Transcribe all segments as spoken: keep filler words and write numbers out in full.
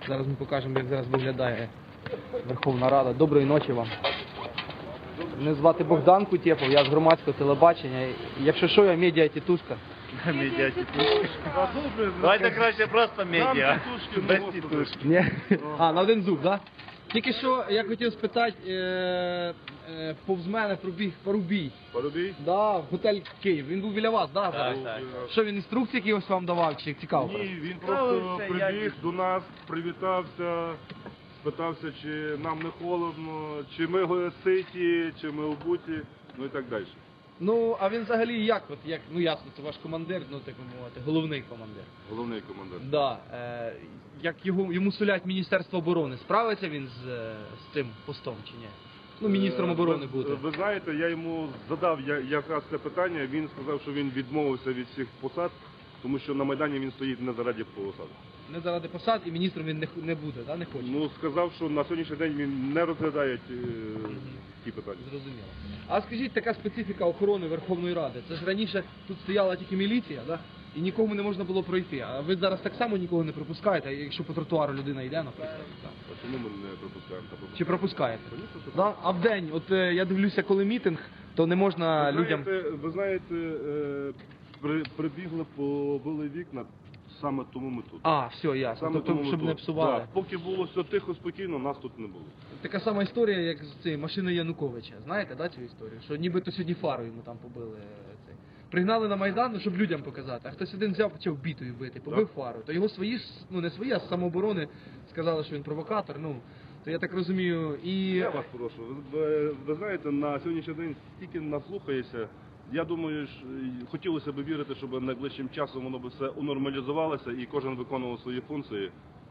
Зараз ми покажемо, як зараз виглядає Верховна Рада. Доброї ночі вам. Мене звати Богдан Кутєпов, я з громадського телебачення. Якщо що, я медіа-тітушка. Медіа-тітушки. Давайте краще просто медіа. Без тітушки. Ні? А, на один зуб, так? Тільки що я хотів спитати, е, е, повз мене пробіг Парубій. Парубій? Да, в готель Київ. Він був біля вас, да? Так, так. Що, він інструкції якісь вам давав, чи цікаво? Ні, він просто прибіг до нас, привітався, спитався, чи нам не холодно, чи ми ситі, чи ми обуті, ну і так далі. Ну, а він взагалі як, от, як, ну ясно, це ваш командир, ну так би мовити, головний командир. Головний командир. Да, е, як його, йому сулять Міністерство оборони, справиться він з, е, з цим постом чи ні? Ну, міністром оборони ви, буде. Ви знаєте, я йому задав я- якраз це питання, він сказав, що він відмовився від всіх посад, тому що на Майдані він стоїть не заради посад. Не заради посад і міністром він не, х- не буде, да, не хоче? Ну, сказав, що на сьогоднішній день він не розглядає ті, ті питання. Зрозуміло. А скажіть, така специфіка охорони Верховної Ради. Це ж раніше тут стояла тільки міліція, да? І нікому не можна було пройти. А ви зараз так само нікого не пропускаєте, якщо по тротуару людина йде, наприклад. А чому ми не пропускаємо? Та пропускаємо. Чи пропускаєте? Звісно, що Да? А в день, от е, я дивлюся, коли мітинг, то не можна Ви людям... знаєте, ви знаєте, е, при, прибігли, побили вікна, саме тому ми тут. А, все, ясно. Саме Тобто, тому ми щоб тут. не псували. Да. Поки було все тихо, спокійно, нас тут не було. Така сама історія, як з цією машиною Януковича. Знаєте, да, цю історію? Що нібито сьогодні фару йому там побили. е, Цей. Пригнали на Майдан, ну, щоб людям показати. А хтось один взяв, почав бітою бити, побив фару. То його свої ж, ну не свої, а з самооборони сказали, що він провокатор. Ну, то я так розумію. І... Я вас прошу. Ви, ви, ви знаєте, на сьогоднішній день стільки наслухаєшся. Я думаю, ж, е, хотілося б вірити, щоб найближчим часом воно б все унормалізувалося і кожен виконував свої функції.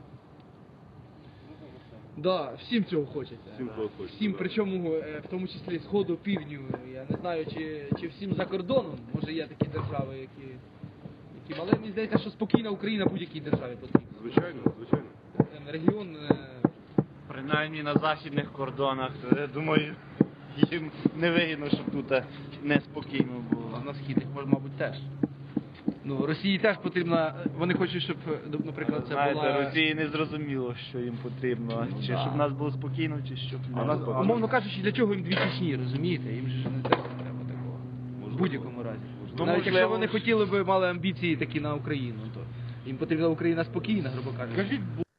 Да, всім цього хочеться. Всім цього хочеться, Всім, да. причому, е, в тому числі сходу, півдню. Я не знаю, чи, чи всім за кордоном. Може є такі держави, які... які... Але мені здається, що спокійна Україна будь-якій державі потрібна. Звичайно, звичайно. Е, Регіон... е, Принаймні на західних кордонах, то я думаю, їм не вигідно, щоб тут неспокійно А було. на східних, може, мабуть, теж. Ну, Росії теж потрібно, вони хочуть, щоб, наприклад, це Знаєте, була... Росії не зрозуміло, що їм потрібно. Чи Да. щоб нас було спокійно, чи щоб А, не нас, було. умовно кажучи, для чого їм дві Чечні, розумієте? Їм же ж не треба, треба такого. В Можливо. будь-якому разі. Ну, Навіть якщо можливо. вони хотіли би, мали амбіції такі на Україну, то їм потрібна Україна спокійна, грубо кажучи. Скажіть,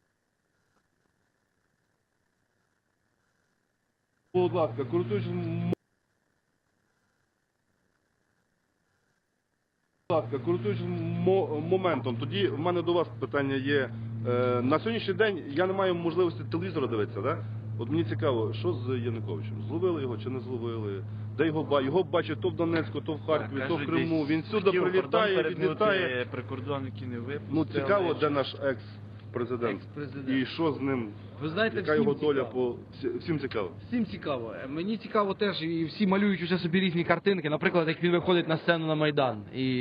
будь ласка, користуючись м- будь ласка, користуючись мо- моментом, тоді в мене до вас питання є. Е, на сьогоднішній день я не маю можливості телевізора дивитися, да? От мені цікаво, що з Януковичем? Зловили його чи не зловили? Де його ба? Його бачать то в Донецьку, то в Харкові, то в Кажуть, Криму. десь Він сюди хотів прилітає, кордон відлітає. перетнути, прикордонники не випустили. Ну цікаво, де наш екс-президент. Екс-президент. І що з ним? Ви знаєте, Яка всім його доля цікаво. по всі- всім цікаво. Всім цікаво. Е, Мені цікаво теж, і всі малюють уже собі різні картинки. Наприклад, як він виходить на сцену на Майдан.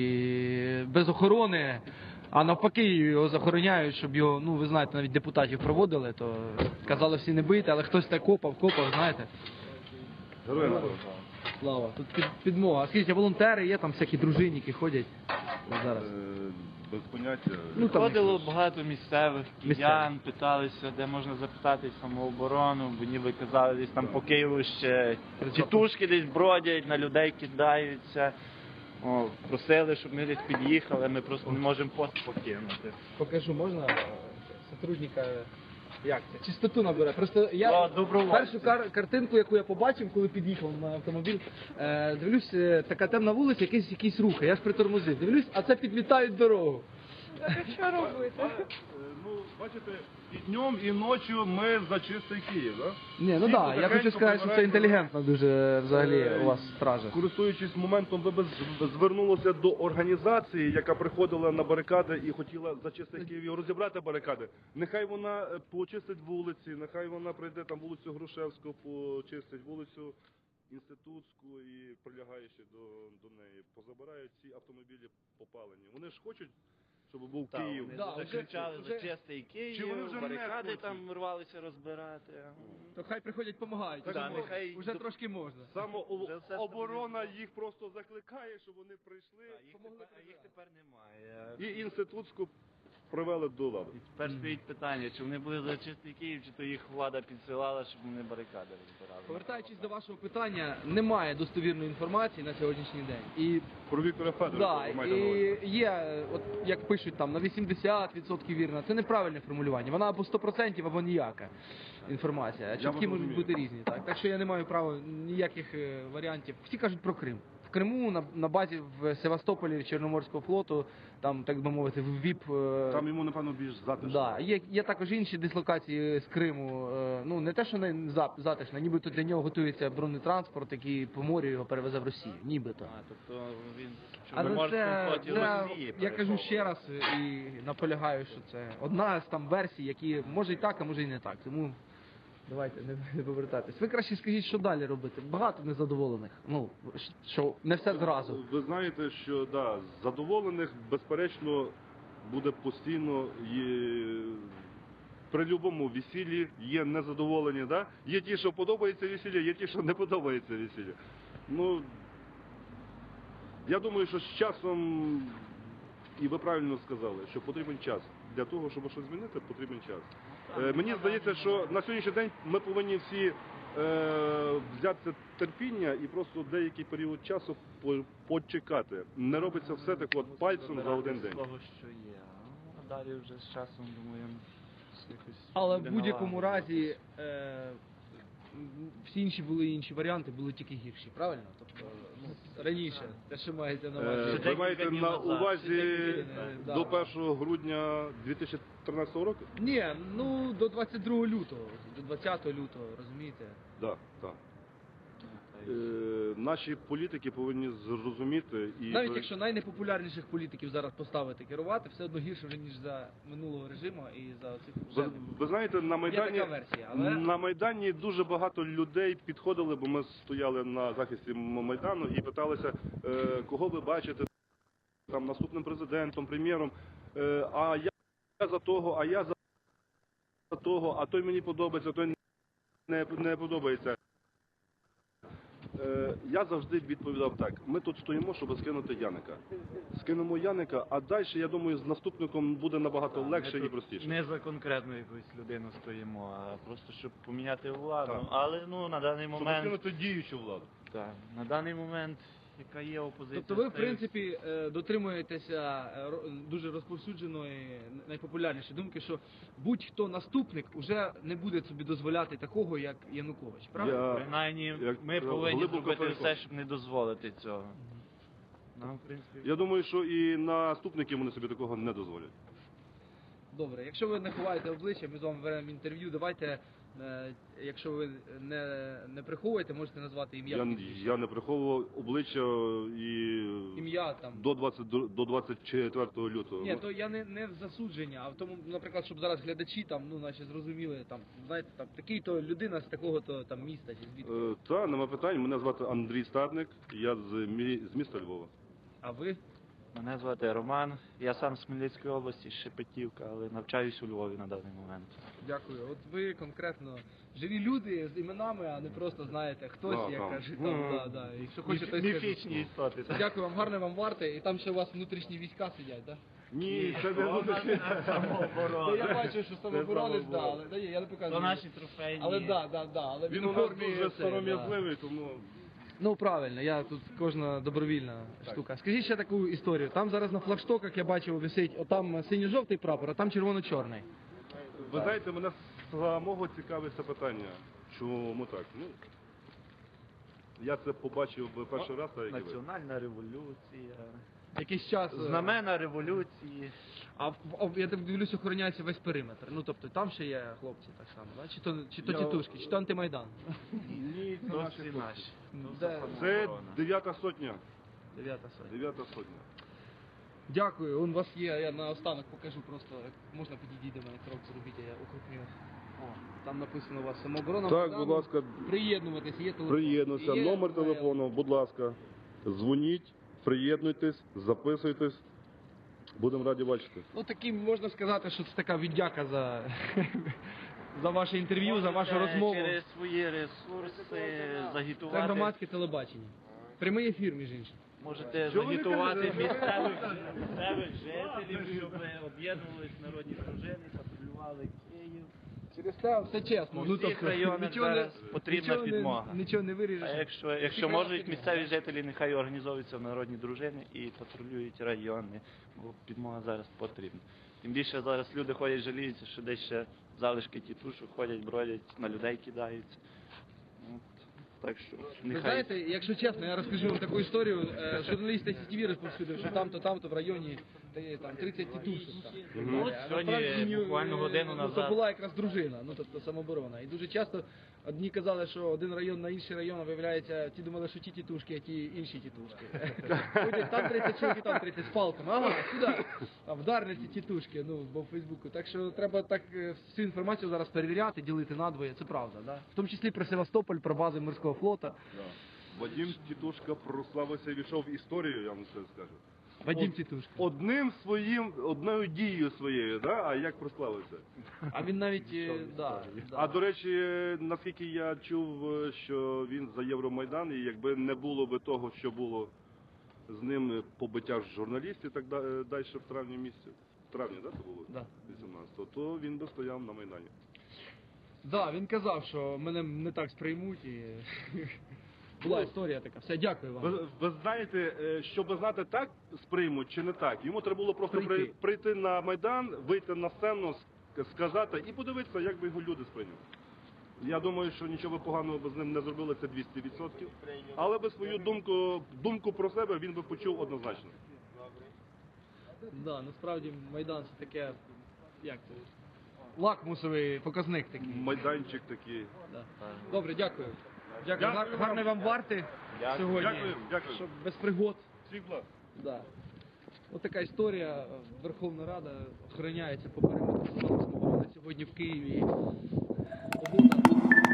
І без охорони, а навпаки його захороняють, щоб його, ну ви знаєте, навіть депутатів проводили, то казали всі не бити, але хтось так копав, копав, знаєте. Героям слава. Слава. Тут під, підмога. А скажіть, а волонтери є, там всякі дружинники ходять зараз. Е, Без поняття. Ну, там Ходило багато місцевих Місцевих. киян, питалися, де можна запитати самооборону, бо ніби казали, десь там по Києву ще тітушки десь бродять, на людей кидаються. О, просили, щоб ми десь під'їхали, ми просто не можемо пост покинути. Покажу, можна е, сотрудника, як це, чистоту набере. Просто я О, добровольці. першу кар- картинку, яку я побачив, коли під'їхав на автомобіль, е, дивлюсь, е, така темна вулиця, якісь, якісь рухи, я ж притормозив. Дивлюсь, а це підмітають дорогу. Що робити? Ну, бачите, і днем, і ночі ми за чистий Київ, так? Ні, ну так, я хочу сказати, що це інтелігентно дуже взагалі у вас стража. Користуючись моментом, ви б з- звернулися до організації, яка приходила на барикади і хотіла за чистий Київ і розібрати барикади. Нехай вона е, почистить вулиці, нехай вона прийде там вулицю Грушевську, почистить вулицю Інститутську і прилягаючи до, до неї. Позабирають ці автомобілі попалені. Вони ж хочуть, щоб був Так, Київ. вони Да, вже- закричали вже- за чистий Київ, Чи вони вже не барикади хочуть? там рвалися розбирати. То хай приходять, допомагають. Да, нехай- Вже трошки можна. Самооборона їх просто закликає, щоб вони прийшли. А їх, тепер, а їх тепер немає. І інститутську привели до ладу. І тепер стоїть питання, чи вони були за чистий Київ, чи то їх влада підсилала, щоб вони барикади розбирали. Повертаючись до вашого питання, немає достовірної інформації на сьогоднішній день. І Про Віктора Федоровича, да, ви маєте на увазі. і є, от як пишуть там, на вісімдесят відсотків вірна. Це неправильне формулювання. Вона або сто відсотків, або ніяка інформація. А чутки вас можуть розумію. бути різні. Так? так що я не маю права ніяких е, варіантів. Всі кажуть про Крим. В Криму на, на базі в Севастополі Чорноморського флоту, там, так би мовити, в ВІП. е, Там йому, напевно, більш затишно. Да, є, є також інші дислокації з Криму. е, Ну не те, що не зап- затишно, нібито для нього готується бронетранспорт, який по морю його перевезе в Росію. Нібито. А, тобто він в Але Чорноморському це, флоті це Росії я кажу переховував. ще раз і наполягаю, що це одна з там версій, які може і так, а може і не так. Тому давайте не, не повертатись. Ви краще скажіть, що далі робити. Багато незадоволених. Ну що не все зразу. Ви знаєте, що да, задоволених, безперечно, буде постійно і при будь-якому весіллі є незадоволені. Да? Є ті, що подобається весілля, є ті, що не подобається весілля. Ну, я думаю, що з часом, і ви правильно сказали, що потрібен час. Для того, щоб щось змінити, потрібен час. Е, мені здається, що на сьогоднішній день ми повинні всі е, взяти терпіння і просто деякий період часу по- почекати. Не робиться все так от пальцем за один день. Того, що є. Ну, а далі вже з часом, думаю, якось Але буде в будь-якому налагоджено. разі е, м, всі інші були інші варіанти, були тільки гірші, правильно? Тобто ну, раніше, те, що маєте на Е, увазі. Ще ви декілька маєте днів на назад. увазі Ще да. до першого грудня дві тисячі тринадцятого року? Ні, ну до двадцять другого лютого, до двадцятого лютого, розумієте? Так, так. Е, наші політики повинні зрозуміти і Навіть якщо найнепопулярніших політиків зараз поставити керувати, все одно гірше вже, ніж за минулого режиму і за цих ви, ви знаєте, на Майдані, така версія, але- на Майдані дуже багато людей підходили, бо ми стояли на захисті М- Майдану і питалися, е, кого ви бачите там наступним президентом, прем'єром. Е, а я за того, а я за того, а той мені подобається, а той не, не подобається. Е, я завжди відповідав так: ми тут стоїмо, щоб скинути Яника. Скинемо Яника, а далі, я думаю, з наступником буде набагато легше Ми і тут простіше. Не за конкретну якусь людину стоїмо, а просто щоб поміняти владу. Так. Але ну на даний Щоб момент, скинути діючу владу. так, на даний момент, яка є опозиція. Тобто ви, в стає- принципі, е, дотримуєтеся е, ро- дуже розповсюдженої, найпопулярнішої думки, що будь-хто наступник уже не буде собі дозволяти такого, як Янукович, правда? Я- Принаймні, як ми повинні глибоко зробити переконаний. все, щоб не дозволити цього. Нам, в принципі, Я думаю, що і наступники вони собі такого не дозволять. Добре, якщо ви не ховаєте обличчя, ми з вами беремо інтерв'ю, давайте, е, якщо ви не, не приховуєте, можете назвати ім'я. Я, прізвище. я не приховував обличчя і Ім'я там. до двадцять до двадцять четвертого лютого. Ні, то я не, не в засудження, а в тому, наприклад, щоб зараз глядачі там, ну, наче зрозуміли, там, знаєте, там, такий-то людина з такого-то там міста чи звідки. Е, Та, нема питань. Мене звати Андрій Стадник, я з, мі- з міста Львова. А ви? мене звати Роман. Я сам з Хмельницької області, з Шепетівка, але навчаюсь у Львові на даний момент. Дякую. От ви конкретно живі люди з іменами, а не просто знаєте, хтось, Да, як так. кажуть, там, да, да. Якщо хочете, то й скажіть. Міфічні істоти. так. Дякую вам, гарної вам варти. І там ще у вас внутрішні війська сидять, так? Ні, це не То буде. наша Ну, самооборона. я бачу, що самооборонець, да, самооборона. але да, ні, я не показую. То наші трофейні. Але да, да, да, але Він в у нас формі дуже це, да. сором'язливий, тому Ну правильно, я тут кожна добровільна штука. Скажіть ще таку історію. Там зараз на флагштоках я бачив висить, отам синьо-жовтий прапор, а там червоно-чорний. ви знаєте, мене самого цікавить це питання. Чому так? Ну, я це побачив би перший раз, так як і ви. Національна революція. Якийсь час. е, Знамена революції. А в- в- я так дивлюсь, охороняється весь периметр. Ну тобто там ще є хлопці так само, да? Чи то чи то Я- тітушки, чи то антимайдан. Ні, це То наші всі хлопці. наші. Де? Це дев'ята сотня. Дев'ята сотня. Дев'ята сотня. Дякую. Он у вас є, я на останок покажу просто, як можна підійти до мене крок зробіть, я укрупню. О, там написано у вас самооборона. Так, Майдану. будь ласка, Приєднуватись, є телефон. приєднуйся. Є Номер моя- телефону, будь ласка. Дзвоніть, приєднуйтесь, записуйтесь. Будемо раді бачити. Ну таким можна сказати, що це така віддяка за, за ваше інтерв'ю, за вашу Можете розмову. Через свої ресурси Це загітувати. громадське телебачення. Прямий ефір, між іншим. Можете Що ви загітувати кажете? місцевих, місцевих жителів, щоб об'єднувались народні дружини, патрулювали Київ. Через те все чесно. У Ну, всіх тобто, районах нічого не- зараз потрібна нічого не- підмога. Нічого не виріжеш. А якщо, якщо можуть місцеві жителі, нехай організовуються в народні дружини і патрулюють райони, бо підмога зараз потрібна. Тим більше зараз люди ходять, жаліються, що десь ще залишки тітушок ходять, бродять, на людей кидаються. От, так що Ви нехай. знаєте, якщо чесно, я розкажу вам таку історію. Е, Журналіст Сі Ті Ві розповсюдив, що там-то, там-то в районі де, там, тридцять тітушок. Там. Ну, от А сьогодні, насправді, ні, буквально е, годину ну, назад. то була якраз дружина, ну тобто самооборона. І дуже часто одні казали, що один район на інший район, а виявляється, ті думали, що ті тітушки, а ті інші тітушки. Ходять, там тридцять чоловік, там тридцять з палками. Ага, сюди. А вдарили ці тітушки, ну, бо в Фейсбуку. Так що треба так е, всю інформацію зараз перевіряти, ділити надвоє, це правда, да? В тому числі про Севастополь, про бази морського флоту. Вадим Тітушка прославився і війшов в історію, я вам це скажу. Вадим Од- Тітушка. Одним своїм, одною дією своєю, да? А як прославився? А він навіть, е, да, да. А до речі, наскільки я чув, е, що він за Євромайдан, і якби не було би того, що було з ним побиття журналістів, так да- е, далі в травні місяці, в травні, да, це було? Да. вісімнадцятого, то він би стояв на Майдані. Да, він казав, що мене не так сприймуть і була історія така. Все, дякую вам. Ви, ви знаєте, е, щоб знати, так сприймуть чи не так, йому треба було просто Прийти. при- прийти на Майдан, вийти на сцену, ск- сказати і подивитися, як би його люди сприйняли. Я думаю, що нічого поганого би з ним не зробили, це двісті відсотків. Але би свою думку, думку про себе він би почув однозначно. Да, насправді Майдан це таке, як це, лакмусовий показник такий. Майданчик такий. Да. Добре, дякую. Дякую. Дякую Гар- вам. Гарної вам варти Дякую. сьогодні. Дякую, дякую. Щоб без пригод. Всіх благ. Да. Ось така історія. Верховна Рада охороняється по периметру самооборони сьогодні в Києві. Погода.